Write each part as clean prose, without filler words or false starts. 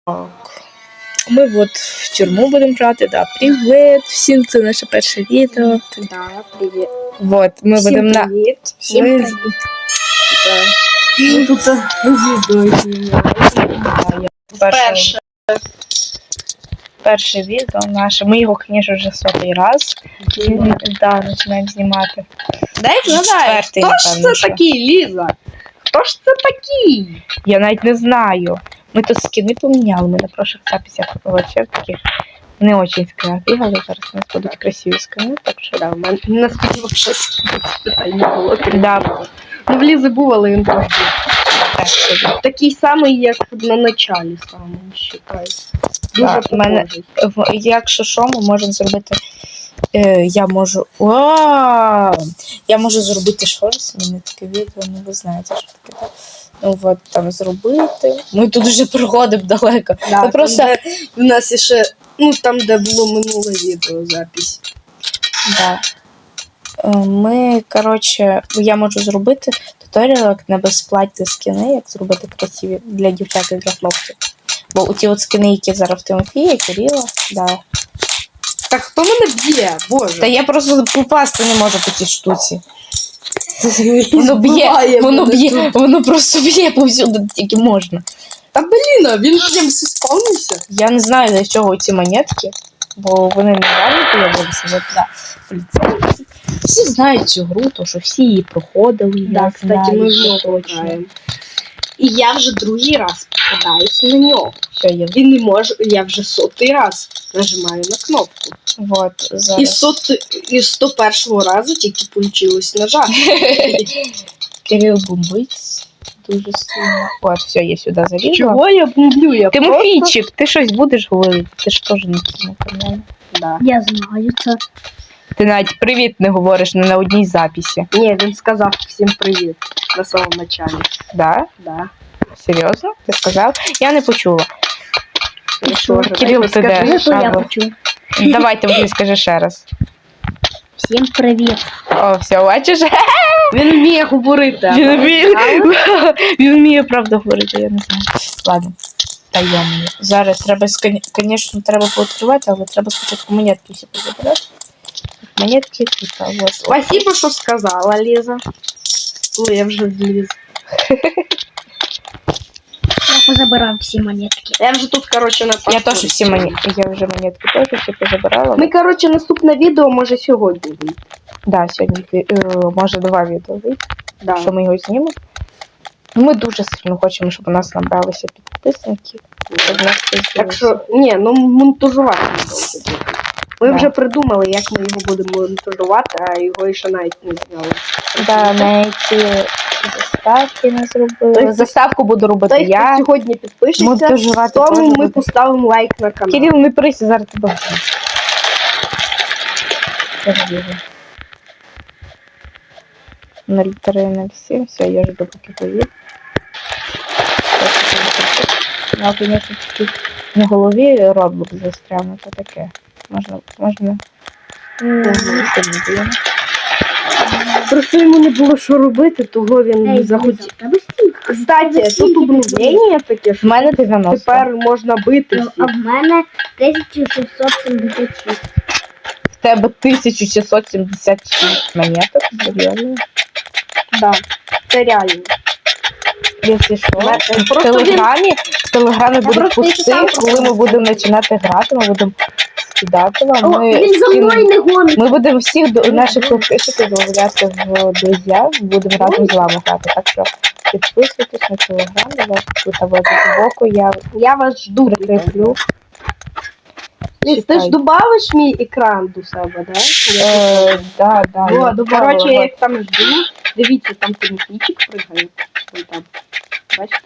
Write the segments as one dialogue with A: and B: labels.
A: Так. Ми от в тюрму будемо грати, да. Привіт всім, це наше перше відео.
B: Да, привіт.
A: Вот, ми
B: Всім
A: будемо на...
B: привіт.
A: Всім
B: Ми
A: привіт.
B: Ми тут звіздою знімаємо.
A: Перше відео наше. Ми його, звісно, вже 100-й раз. Да, починаємо знімати.
B: Дай вгадай,
A: Четвертий,
B: хто ж
A: напевно,
B: це такий, Ліза? Хто ж це такий?
A: Я навіть не знаю. Ми тут скини поміняли, ми на прошлых записях вообще таких не очень скини бігали. Зараз у нас будуть красиві скини, так що...
B: Да, в мене наскільки вообще питань не було.
A: Да.
B: Ну, в Лізи був, але він теж
A: Так,
B: такий самий, як на началі самому, вважаю. Дуже
A: Да, в мене-
B: похожий.
A: якщо що, ми можемо зробити... я можу зробити щось, мені таке відео, ну ви знаєте, що таке. Так? Ну от там зробити. Ми тут вже проходимо далеко.
B: Да,
A: Ми просто...
B: там, де в нас ще, ну там, де було минуле відео, запись.
A: Да. Ми, коротше, я можу зробити туторіал, як на безплатні скини, як зробити красиві для дівчат і для хлопців. Бо у ті от скини, які зараз в Тимофія, Кирила, да.
B: Так хто мене б'є? Боже.
A: Та я просто попасти не можу по тій штуці. Воно просто б'є повсюди, тільки можна.
B: Та блін, він прям всі спавнився.
A: Я не знаю, для чого ці монетки, бо вони нереально появилися. От, да. Поліцейські. Всі знають цю гру, то що всі її проходили.
B: Да,
A: я
B: кстати,
A: знаю,
B: ми
A: що
B: знову граємо. І я вже другий раз попадаюсь на нього.
A: Все, я...
B: Він не може, я вже 100-й раз нажимаю на кнопку.
A: Вот, зараз.
B: І 101-го разу тільки получилось нажати.
A: Кирил бомбить дуже сильно. От, все, я сюди залізла.
B: Чого я бомблю? Я
A: Тимофійчик, ти щось будеш говорити? Ти ж теж на цьому каналі.
B: Да.
C: Я знаю це.
A: Ти навіть привіт не говориш не на одній записі.
B: Ні, він сказав всім привіт на самому началі.
A: Да?
B: Да.
A: Серйозно? Ти сказав? Я не почула.
B: Ну, що ж,
A: Кирил, ти де?
C: Ну, то я
A: Шабло.
C: почув.
A: Давай, Тимофій, скажи ще раз.
C: Всім привіт.
A: О, все, бачиш?
B: Він вміє говорити.
A: Він вміє правду говорити, я не знаю. Ладно, таємно. Зараз треба, звісно, треба пооткривати, але треба спочатку монетки всі позабирати. Монетки тут, а вот.
B: Спасибо, що сказала, Ліза. Ой, я вже вліз.
C: Я позабирав всі монетки.
B: Я вже тут, короче, на
A: Я теж всі монетки, я вже монетки теж всі позабирала.
B: Ми, короче, наступне відео може сьогодні вийти.
A: Да, сьогодні, може 2 відео вийти,
B: Да.
A: що ми його знімемо. Ми дуже сильно хочемо, щоб у нас набралися підписники. Щоб у нас це
B: Так
A: з'явилося.
B: що, ні, ну монтажувати не довго. Ми
A: Да.
B: вже придумали, як ми його будемо монтажувати, а його ще навіть не зняли.
A: Да, навіть заставки не зробили.
B: Той,
A: Заставку буду робити
B: Той, хто
A: я.
B: сьогодні підпишеться,
A: Монтажувати
B: тому
A: теж
B: ми
A: буду.
B: поставимо лайк на канал.
A: Кирил, не прийся, зараз тебе. Подожди. 0307, все, я жду, поки поїду. Ну, звісно, таки на голові роблок застряв, ну то таке. Можна. Не сильно було.
B: Просто йому не було що робити, того він не захотів.
C: Тебе стільки.
B: Кстати, тут обновлення таке,
A: В
B: що
A: мене 90.
B: тепер можна бити
C: А
B: всіх.
C: в мене 1676.
A: В тебе 1676 монеток, серйозно?
B: Да, це реально.
A: Якщо що,
B: Просто
A: в Телеграмі будуть
C: просто
A: пости,
C: читала.
A: коли ми будемо починати грати, ми будемо скидати вам.
C: О, він за мною не гонить.
A: Ми будемо всіх наших підписчиків додавати в друзі, будемо разом з вами грати. Так що підписуйтесь на Телеграм, тут збоку
B: Я вас жду.
A: прикріплю.
B: Ліз, ти ж добавиш мій екран до себе, да?
A: Да.
B: О, коротше, я їх там жду. Дивіться, там Тимофійчик пригає. Ой, там. Бачите?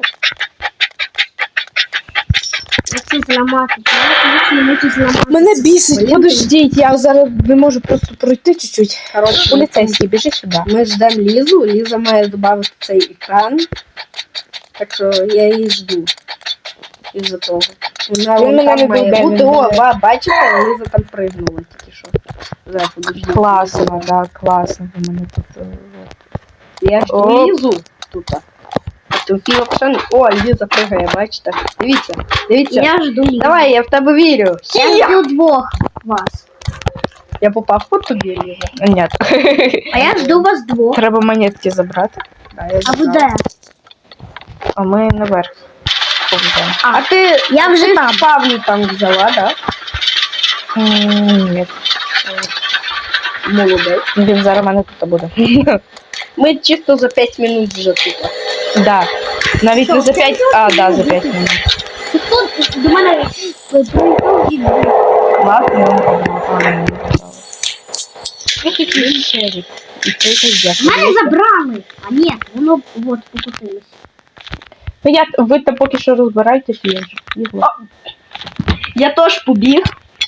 C: Оце зламати. Я не можу зламати.
A: Мене бісить,
B: Блін,
A: подождіть, я зараз не можу просто пройти чуть-чуть.
B: Коротше,
A: Поліцейський, біжи сюди.
B: ми ждемо Лізу. Ліза має додати цей екран. Так що я її жду. Із-за того. Вона
A: Він
B: вон
A: мене
B: там
A: не
B: має
A: дойде,
B: бути.
A: він
B: О,
A: мене-
B: бачите, Ліза там пригнула тільки що. Зараз, подожди.
A: Класно, да, класно. У мене тут.
B: Я жду
A: О.
B: Лізу тут. Так Тимофій взагалі... О, Ліза пригає, бачите? Дивіться, дивіться.
C: Я жду Лізу.
B: Давай, я в тебе вірю.
C: Я жду двох вас.
B: Я попав по тобі, Ліза.
A: Ні.
C: А я жду вас двох.
A: Треба монетки забрати.
B: Да, я
C: А ви
B: забрав.
C: де?
A: А ми наверх повземо.
B: А ти...
C: Я вже
B: ти
C: там.
B: спавну там взяла, да?
A: Ні.
B: Молодець.
A: Він зараз в мене тут буде.
B: Ми чисто за 5 минут вже тут.
A: Да. Навіть не за 5, а, да, за 5 минут.
C: Тут до мене приїхав дід.
A: Ладно, погано. Який шерик. І це якийсь
C: Мене забрали. А ні, воно от покусилось.
A: Ну ви там поки що розбирайтесь, я вже бігла.
B: Я теж побіг.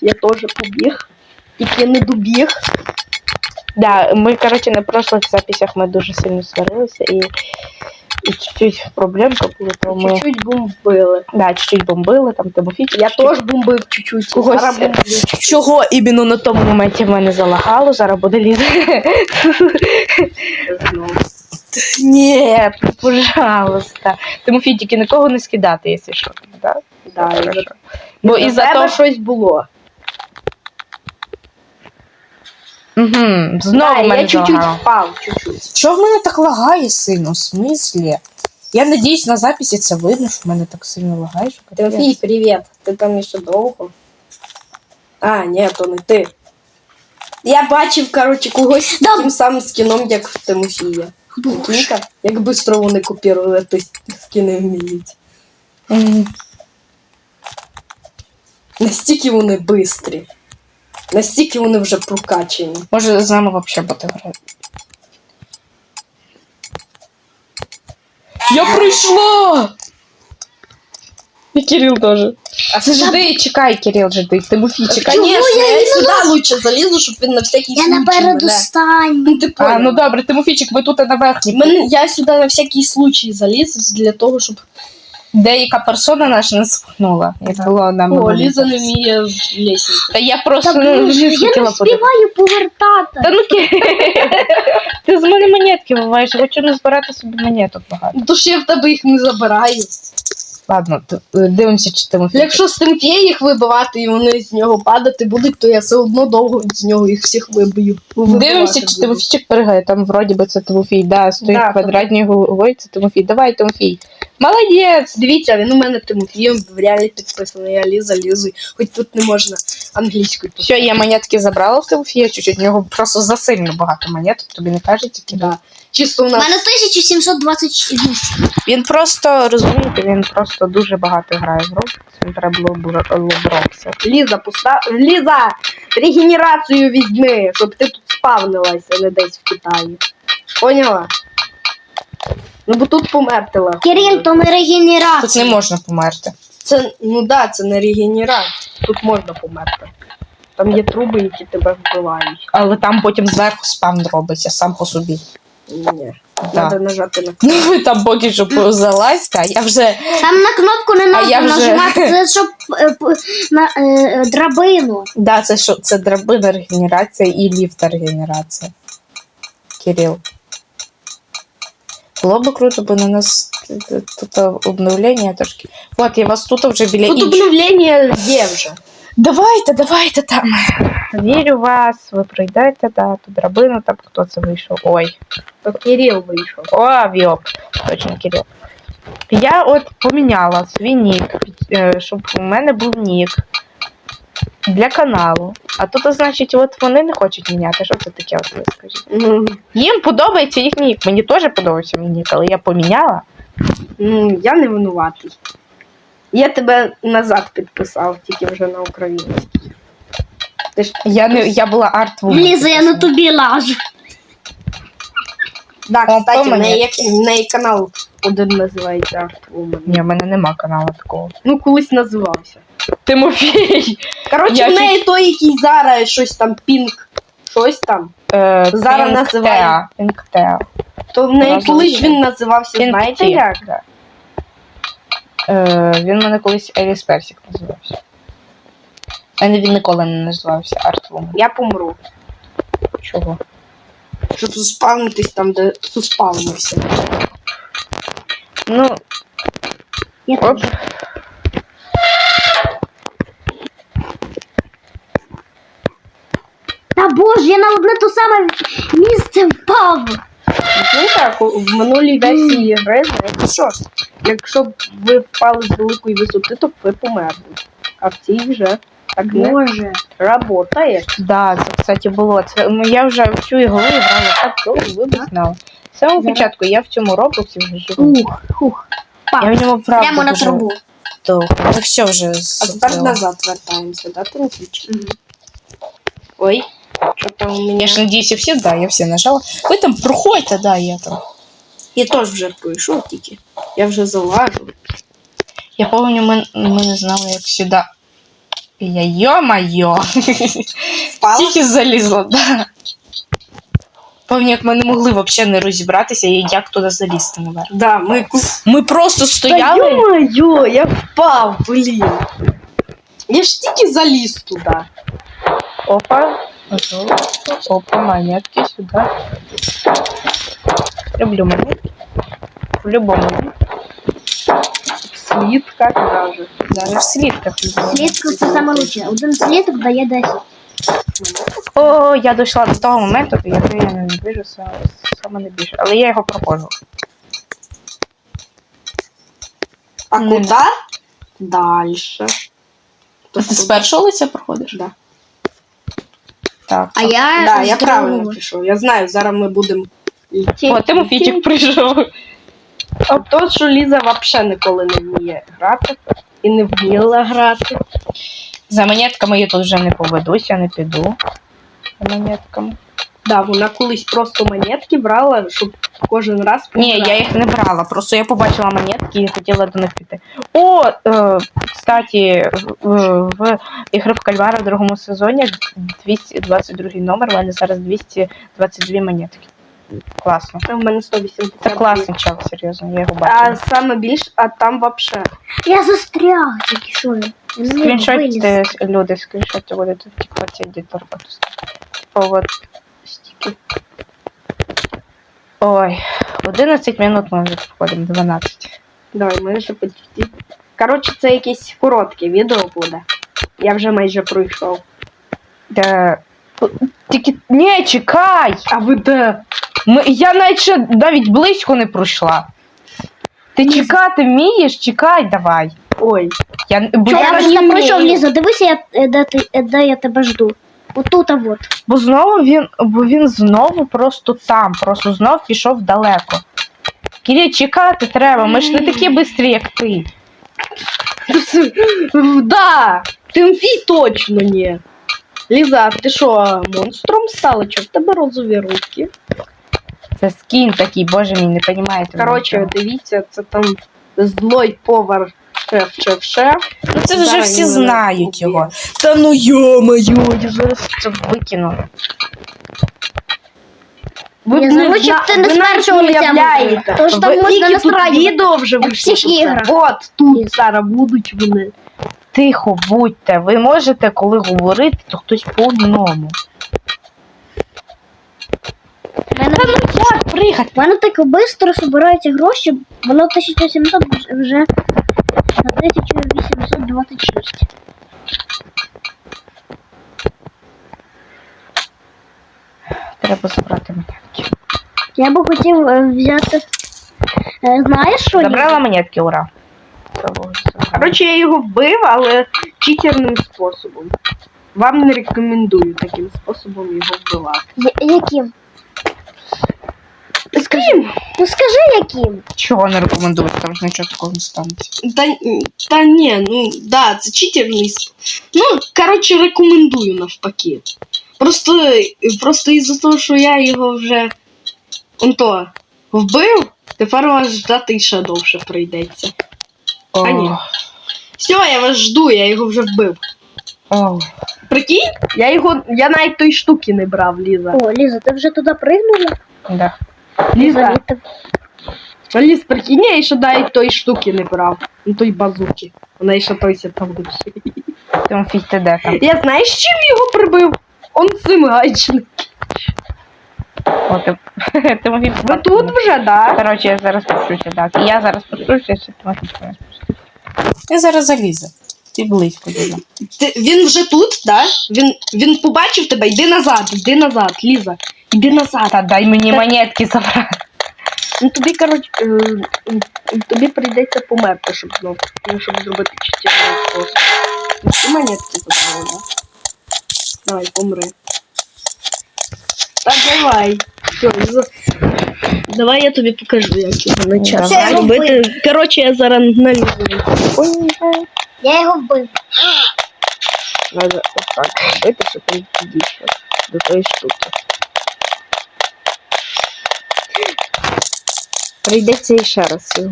B: Тільки не добіг.
A: Да, ми, коротше, на прошлих записях ми дуже сильно сварилися і чуть-чуть проблемка була, то ми...
B: Чуть-чуть бомбили.
A: Да, чуть-чуть бомбили, там Тимофійчик.
B: Я теж бомбив чуть-чуть.
A: Когось...
B: Зараз бомблю.
A: Чого іменно на тому моменті в мене залагало, зараз буде Ліза.
B: Знову.
A: Ні, пожалуйста. Тимофій, тільки нікого не скидати, якщо що. Да?
B: Да,
A: Хорошо.
B: і
A: Бо
B: за
A: із-за
B: тебе
A: того...
B: щось було.
A: Угу, знову
B: Да,
A: мене
B: я чуть-чуть
A: залагало.
B: впав, чуть-чуть.
D: Чого в мене так лагає сильно? В смислі? Я надіюсь, на записі це видно, що в мене так сильно лагає, що капець.
B: Тимофій, привіт. Ти там ще довго? А, ні, то не ти. Я бачив, коротше, когось з таким самим скіном, як в Тимофія. Прикиньте, як бистро вони копірували ті скіни вміють.
A: Мгм.
B: Настільки вони бистрі. Настільки вони вже прокачені.
A: Може з нами взагалі бути грати. Я прийшла! І Кирил теж. А це жди, чекай, Кирил, жди. Тимофій, чекай.
B: Конечно, я сюди лучше залізу, щоб він на всякий
C: Я
B: случай
C: напереду
B: мене...
C: станю.
B: Ну, ти
A: А,
B: поняла.
A: ну добре, Тимофійчик, ви тут на верхній.
B: Я сюди на всякий случай заліз для того, щоб...
A: Деяка персона наша не спхнула. Як було нам.
B: О, Ліза не вміє лісінку.
A: Та я просто
C: Та,
A: не
C: блін, я не
A: хотіла подивитися.
C: співаю повертати.
A: Та ну ти з мене монетки виваєш, я хочу не збирати собі монеток багато.
B: Ну, то ж я в тебе їх не забираю.
A: Ладно, дивимося, чи Тимофій.
B: Якщо з Тимфія їх вибивати і вони з нього падати будуть, то я все одно довго з нього їх всіх вибию.
A: Дивимося, чи Тимофійчик перегає. Там вроді би це Тимофій. Да, стоїть
B: Да,
A: квадратною головою, це Тимофій. Давай, Тимофій. Молодець!
B: Дивіться, він у мене Тимофієм в реалі підписаний, я Ліза, хоч тут не можна англійською писати.
A: Все, я монетки забрала в Тимофія чуть-чуть. У нього просто засильно багато монеток, тобі не кажеться, Кирил?
B: Да. Чисто у
C: У
B: нас...
C: мене 1728.
A: Він просто, розумієте, він просто дуже багато грає в Roblox. Він треба було Roblox.
B: Ліза, Ліза, регенерацію візьми, щоб ти тут спавнилася, не десь в Китаї. Поняла? Ну бо тут померти легко.
C: Кирил, то не регенерація.
A: Тут не можна померти.
B: Це, ну да, це не регенерація. Тут можна померти. Там є труби, які тебе вбивають.
A: Але там потім зверху спам робиться сам по собі.
B: Ні.
A: Да.
B: Треба нажати на
A: Ну ви там поки що залазьте, а я вже.
C: Там на кнопку не
A: А я
C: треба
A: вже-
C: нажимати, це щоб на драбину.
A: Да, це що? Це драбина регенерація і ліфта регенерація. Кирил. Було б круто, бо на нас тут обновлення трошки. От, я вас тут вже біля
B: Тут
A: інших.
B: обновлення є вже.
A: Давайте там. Вірю в вас, ви пройдете, да, ту драбину, там хто це вийшов. Ой.
B: То Кирил вийшов.
A: О, Віоп. Точно, Кирил. Я от поміняла свій нік, щоб у мене був нік для каналу. А тут, значить, от вони не хочуть міняти. Що це таке, от ви скажіть? Їм подобається їхній нік. Мені теж подобається мій нік, але я поміняла.
B: Ну, я не винуватий. Я тебе назад підписав, тільки вже на українській. Ти ж...
A: Я була артвумен.
C: Ліза, я на тобі лажу.
B: Да,
A: О,
B: кстати, в
A: помилка.
B: неї канал один називається Art Woman.
A: Ні, в мене нема каналу такого.
B: Ну, колись називався.
A: Тимофій!
B: Коротше,
A: Я
B: в неї той, який зараз щось там пінк, щось там. Зараз називає.
A: Пінктеа.
B: То в неї
A: Разом
B: колись
A: ще.
B: він називався, знаєте як?
A: Да. Він мене колись Еліс Персик називався. А він ніколи не називався Артвумен.
B: Я помру.
A: Чого?
B: Щоб заспавнитись там, де заспавнився.
A: Ну,
C: Я
A: оп.
C: теж. Та боже, я на одне то саме місце впав.
B: Ну так, в минулій версії гри, знаєте що? Якщо б ви впали з великої висоти, то б ви померли. А в цій вже так не
C: Боже.
B: работає.
A: Да, це, кстати, було. Це, ну, я вже в цю ігру грала так довго, ви б знали. З самого
C: Зараз.
A: початку я в цьому роблоксі вже живу.
C: Хух.
A: Я в ньому правда
C: Прямо на
A: дуже
C: трубу.
A: довго. Ну все вже
B: А тепер
A: закрила.
B: назад вертаємося, да, Тимофійчик? Ой, що там у мене?
A: Я ж надіюся, всі, да, я всі нажала. Ви там проходьте, да, я там.
B: Я теж вже пройшов тільки. Я вже залажу.
A: Я пам'ятаю, ми не знали, як сюди. Я йо-майо.
B: Впала?
A: Тільки залізла, да. Пам'ятаю, як ми не могли взагалі не розібратися, як туди залізти наверх.
B: Да,
A: Ми просто стояли.
B: Та ё-моё, я впав, блін. Я ж тільки заліз туди.
A: Опа. Опа, монетки сюди. Люблю монетки. В любому.
B: В слідках даже.
A: Даже в слідках люблю.
C: Слідка це саме лучше. Один слідок дає 10.
A: О, я дійшла до того моменту, який я не біжу саме не більше. Але я його проходжу.
B: А
A: Не.
B: куди? Дальше.
A: Ти з першого лиця проходиш?
B: Да.
A: Так.
C: А я
B: Да,
C: з
B: я правильно
C: другого.
B: пішов. Я знаю, зараз ми будемо
A: О, Тимофійчик прийшов.
B: А то, що Ліза взагалі ніколи не вміє грати і не вміла грати.
A: За монетками я тут вже не поведусь, я не піду. За монетками.
B: Да, вона колись просто монетки брала, щоб кожен раз
A: Ні,
B: пограти.
A: я їх не брала, просто я побачила монетки і хотіла до них піти. О, кстати, в ігри в Кальвара в другому сезоні 222 номер, у мене зараз 222 монетки. Класно.
B: В мене 180.
A: Це класний чел, серйозно, я його
B: А
A: бачила.
B: саме більш, а там вообще.
C: Я застряг, тільки що. Я не виліз.
A: Скріншотьте, люди, скріншотьте будете в тіктоці едитор. Типа вот стики. Ой, 11 минут ми вже проходимо, 12.
B: Давай, ми вже почти. Коротше, це якесь коротке відео буде. Я вже майже пройшов.
A: Де... Тільки... Ні, чекай!
B: А ви де?
A: Я навіть близько не пройшла. Ти чекати вмієш? Чекай, давай.
B: Ой.
A: Бо
C: Я
A: я
C: просто
A: не
C: пройшов,
A: вмію.
C: Ліза, дивися, де я тебе жду. Отут, а вот.
A: Бо він знову просто там, просто знов пішов далеко. Киря, чекати треба, ми ж не такі бистрі, як ти.
B: Да! Тимфій точно ні. Ліза, ти що, монстром стала? Чого в тебе розові руки?
A: Це скін такий, боже мій, не розумієте.
B: Коротше, дивіться, це там злой повар шеф.
A: ну це вже
B: зараз
A: всі
B: він мене
A: знають
B: уб'є.
A: його. Та ну йо-моє, я зараз це викину.
C: Я заручив, ти не з першого лиця
B: уявляєте.
C: Тож там
B: Ви
C: можна
B: тільки тут
C: настраювати.
B: відео вже
C: Як в
B: вийшло.
C: всіх іграх.
B: От тут зараз будуть вони.
A: Тихо будьте, ви можете, коли говорити, то хтось по одному. Як пригати?
C: У мене так швидко збираються гроші, воно 1800 вже на 1826.
A: Треба забрати монетки.
C: Я би хотів взяти. Знаєш що?
A: Забрала монетки, ура.
B: Коротше, я його вбив, але читерним способом. Вам не рекомендую таким способом його вбивати.
C: Яким?
B: Скажімо,
C: Ну скажи яким.
A: Чого не рекомендую, там ж нічого такого не станеться.
B: та ні, ну да, це читерний спосіб. Ну, коротше, рекомендую навпаки. Просто із-за того, що я його вже вбив, тепер вас ждати ще довше прийдеться. А ні. Все, я вас жду, я його вже вбив.
A: О.
B: Прикинь, я навіть тої штуки не брав, Ліза.
C: О, Ліза, ти вже туди пригнула?
A: Да.
B: Ліза,
C: Вітер.
B: Ліз, прикинь, я ще навіть тої штуки не брав. Ну той базуки. Вона ще той там лучше.
A: Тимофій, ти де там?
B: Я знаєш, чим його прибив? Он цим гайчним.
A: О, Тимофій.
B: Ви тут вже, да?
A: Коротше, я зараз пущуся, так. І я зараз пущуся, якщо Тимофій не спуститься.
D: Я зараз залізу. Ти близько дуже.
B: Він вже тут, да? Він побачив тебе, йди назад, Ліза. Йди назад.
A: Та дай мені монетки забрати.
B: Ну тобі, коротше, тобі прийдеться померти, щоб зробити чотирний спосіб. Ну, всі монетки забрали, да? Давай, помри. Та давай. Все, давай я тобі покажу, як його почати
A: Давай.
B: робити. Коротше, я зараз налізу.
C: Я його вбив.
B: Надо отак робити, щоб він підійшов до тої штуки. Прийдеться іще раз його.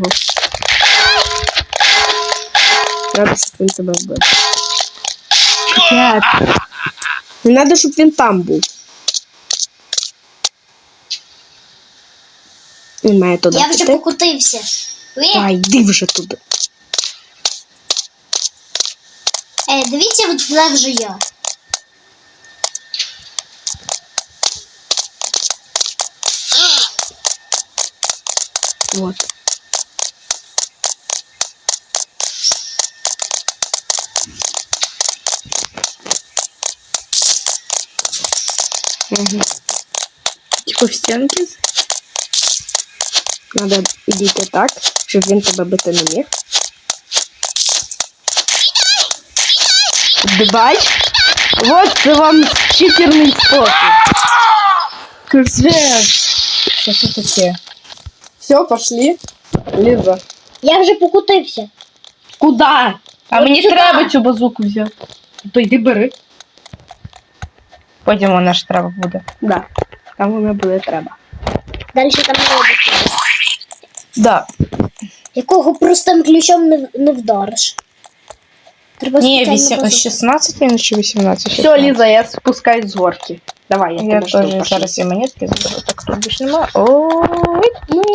B: Треба, щоб він тебе вбив. Не треба, щоб він там був. Він має туди
C: Я вже
B: піти.
C: покотився.
B: Та йди вже туди.
C: Дивіться, от де вже я.
B: Вот. Угу. Типа в стінки. Надо идти так, щоб він тебе бити не міг. Бач? Вот це вам читерний спосіб. Капець.
D: Що це таке?
B: Все, пошли. Ліза.
C: Я вже покотився.
B: Куда?
A: А мені
C: сюди.
A: треба цю базуку взяти.
B: То йди бери.
A: Потім вона ж треба буде.
B: Да. Там вона буде треба.
C: Далі там не робиться.
A: Да.
C: Якого простим ключом не вдариш. Треба
A: Ні,
C: спеціально базуку.
A: 16 він чи 18?
B: Все, Ліза, я спускаюсь з горки. Давай, я
A: Я
B: тебе жду,
A: теж
B: пошли.
A: зараз і монетки заберу, так тут більше нема. Ой,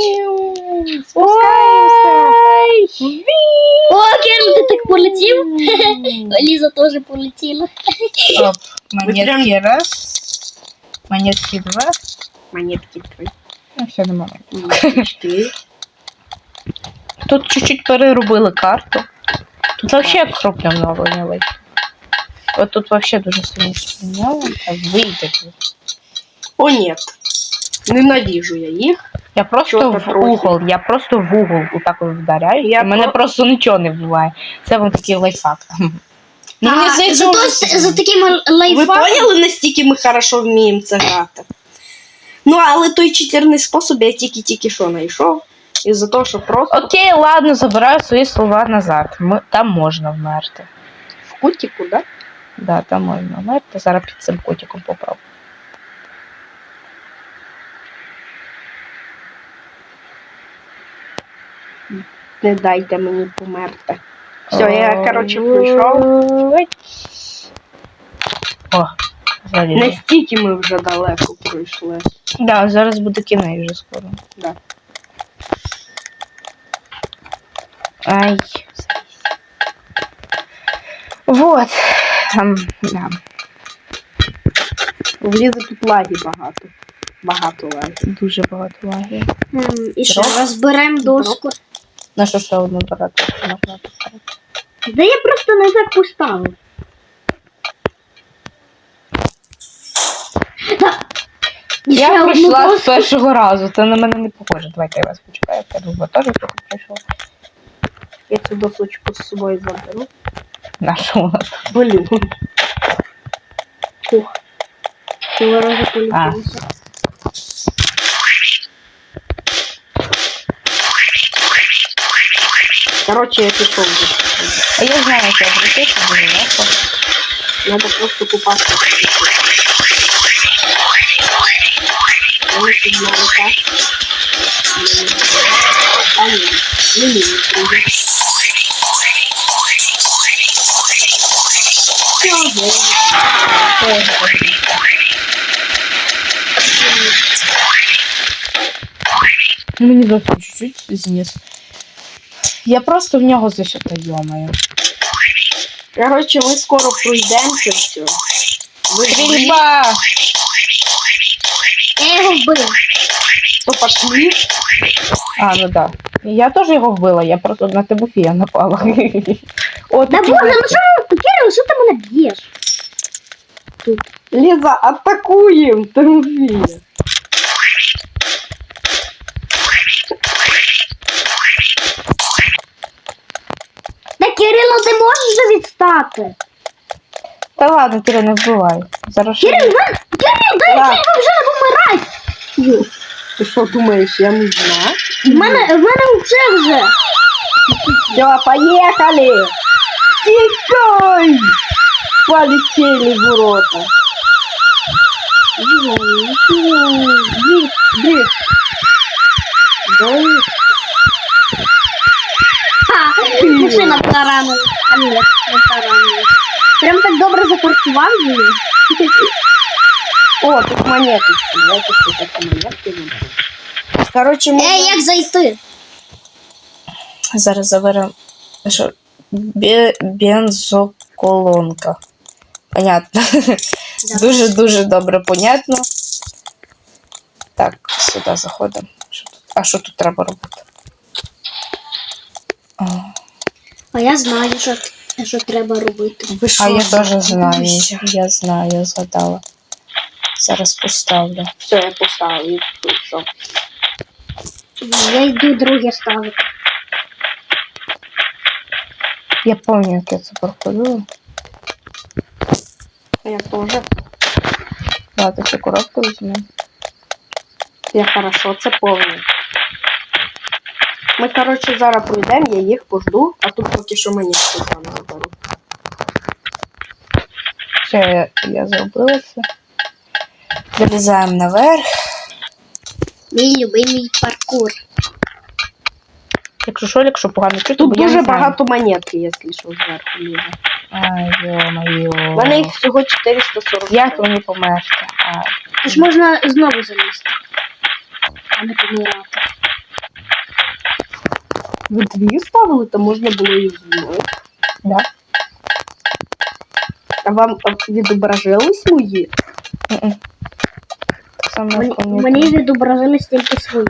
C: О, Кирил, ти так полетів? Ліза теж полетіла.
A: Оп, монетки раз, монетки два.
B: Монетки твої.
A: Ну, все, нема.
B: Монетки.
A: Тут чуть-чуть переробили карту. Тут вообще кропля много не вийшло. От тут вообще дуже сильно спиняла. Так, вийде тут.
B: О, нет. Ненавижу я їх.
A: Я просто
B: Чого
A: в
B: трохи?
A: угол, я просто в угол отак от вдаряю,
B: Я
A: і мене просто нічого не вбиває. Це вам такий лайфхак. Ну, мені здається,
C: Зато
A: вже-
C: за таким
B: Ви
C: лайфхаком.
B: поняли, настільки ми хорошо вміємо це грати? Ну, але той читерний спосіб я тільки що знайшов. Із-за того, що просто
A: Окей, ладно, забираю свої слова назад. Там можна вмерти.
B: в кутіку, да?
A: Да, там можна вмерти. Зараз під цим котиком попробую.
B: Не дайте мені померти. Все, я, коротше, прийшов.
A: О, залізли.
B: Настільки ми вже далеко пройшли.
A: Да, зараз буде кінець вже скоро.
B: Да.
A: Ай. Вот. Да.
B: В Лізи тут лаги багато. Багато лаги.
A: Дуже багато лаги.
C: І що, розберемо доску.
A: На що ще одну брати? Можна поставити.
C: Да я просто не так поставив.
A: Я прийшла з першого разу, це на мене не похоже. Давайте я вас почекаю, я думаю, теж трохи прийшов.
B: Я цю досочку з собою заберу.
A: На що вона?
B: Блін. Ух. Цього разу
A: А.
B: полетілося. Короче, я пішов вже.
A: А я знаю, як я прийти, що буде легко.
B: Надо просто купатися. Вони підняли так. А ні, не мені прийде.
A: Ну, мені зовсім чуть-чуть зніс. Я просто в нього зашита, йомаю.
B: Короче, ми скоро пройдемо це все. Ви
A: Стрільба!
C: Я його вбив.
B: То пошли.
D: А, ну да. Я теж його вбила, я просто на Тимофія напала. О,
C: Да
D: такі
C: боже,
D: речі.
C: ну Кирил, що ти мене б'єш?
B: Ліза, атакуємо, Тимофія.
C: Да Кирило, ти можеш вже відстати?
D: Та ладно, Кирил, не вбивай. Зараз ще-
C: Кирил, дай
B: Так.
C: я вже не помирай.
B: Ти що думаєш, я не знаю?
C: В мене вже.
B: Все, поехали! Тикай! Полетели в ворота. Дрифт.
C: Ха, машина таранила. А ні, не таранила. Прям так добре закоркував її.
B: О, тут монеточки. Давайте все-таки монетки выберем. Короче, мы...
C: Як зайти?
A: Зараз заберемо. Що? Бензоколонка. Понятно. Дуже-дуже добре понятно. Так, сюди заходимо. Що тут? А що тут треба робити? А,
C: А я знаю, що треба робити.
A: ви що,
D: А я теж знаю.
A: забулися? Я знаю, я згадала. Зараз поставлю.
B: Все, я поставил. И тут всё.
C: Я йду друге ставити.
D: Я пам'ятаю, як я це проходила.
B: Я тоже.
D: Ладно, цю коробку візьму.
B: Я хорошо це помню. Ми, короче, зараз пройдемо, я їх пожду, а тут поки що мені щось там заберу.
D: Все, я зробила це.
A: Залізаємо наверх.
C: Мій любимий паркур.
D: Якщо погано чути,
B: Тут
D: бо я
B: дуже
D: не знаю.
B: багато монетки, якщо що, зверху лізе.
D: Ай, йо-моє.
B: У мене їх всього 440.
D: Як мені померти? А,
C: Тож можна знову залізти. А не помирати.
B: Ви дві ставили, то можна було і з мною.
D: да?
B: А вам відображились мої?
D: Мгм. Так само, як у мене.
C: Мені відобразились тільки свої.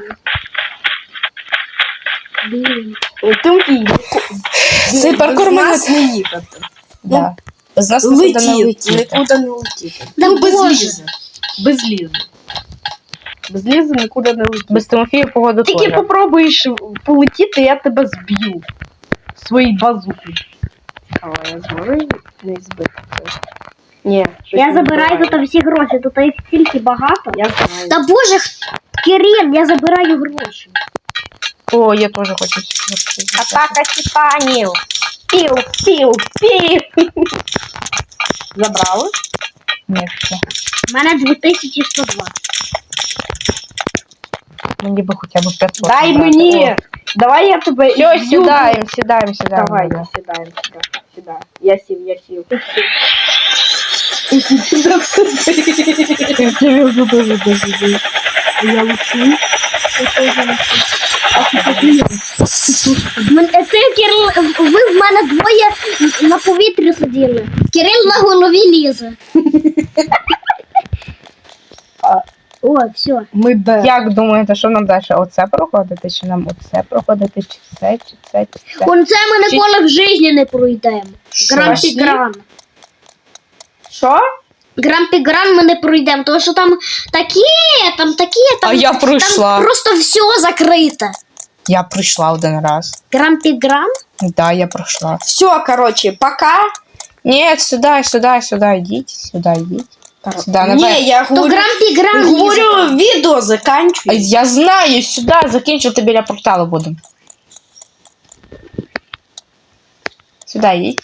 C: Блін.
B: Тимофій,
A: Цей паркур мене-
B: нас не їхати.
D: Да.
A: З нас нікуди не
B: Летіть,
A: летіти.
B: нікуди не летіти.
C: Да
B: Ну, без
C: Боже.
B: лізи. Без лізи. Без лізи нікуди не летіти.
D: Без Тимофія погода
B: Тільки
D: теж.
B: попробуєш полетіти, я тебе зб'ю. Свої базуки. Але я зможу їх не збити. Ні. щось
C: Я
B: не
C: забираю
B: буває.
C: тут всі гроші, тут їх стільки багато.
B: Я знаю.
C: Та боже, Кирил, я забираю гроші.
D: О, я теж хочу ці.
B: Атака титанів. Пів, пів, пів. Забрали?
D: Ні, все.
C: У мене 2102.
D: Мені би хоча б 500.
B: Дай
D: набрати.
B: мені. Давай я тебе
D: Все,
B: б'ю.
D: сідаємо.
B: Давай,
D: да.
B: сідаємо сюди. Я сів.
D: Кирил дуже дуже.
B: Я лечу.
C: Це Кирил, ви в мене двоє на повітрі сиділи. Кирил на голові лізе. О, все.
B: Ми де?
D: Як думаєте, що нам далі? Оце проходити, чи нам оце проходити, чи це, чи це, чи це?
C: Он це ми ніколи в житті не пройдемо. Гран-пі-гран.
B: Що?
C: Гран-пі-гран ми не пройдемо, тому що там такі, там.
A: А я пройшла.
C: Там просто все закрите.
A: Я пройшла один раз.
C: Гран-пі-гран?
A: Да, я пройшла.
B: Все, короче, пока.
A: Ні, сюди, йдіть. Сюди, наверх.
B: Не, я
C: То
B: говорю,
C: гран-пі-гран.
B: говорю, відео заканчивай.
A: Я знаю, сюди, закінчити біля порталу будемо. Сюди йдіть.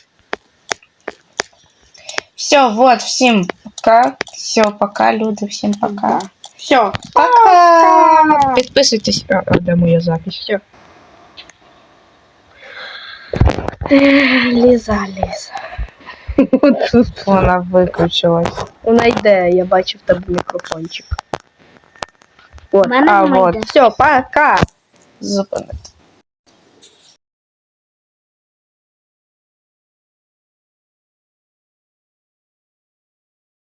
A: Все, вот, всім пока. Все, пока, люди, всім пока.
B: Все.
A: Пока. Підписуйтесь. А де моя запись? Все.
B: Ліза.
A: От тут вона виключилась.
B: Вона йде, я бачив там мікрофончик.
C: У мене
A: а,
C: немає
A: вот.
C: йде.
B: Все, пока.
A: Зупинити.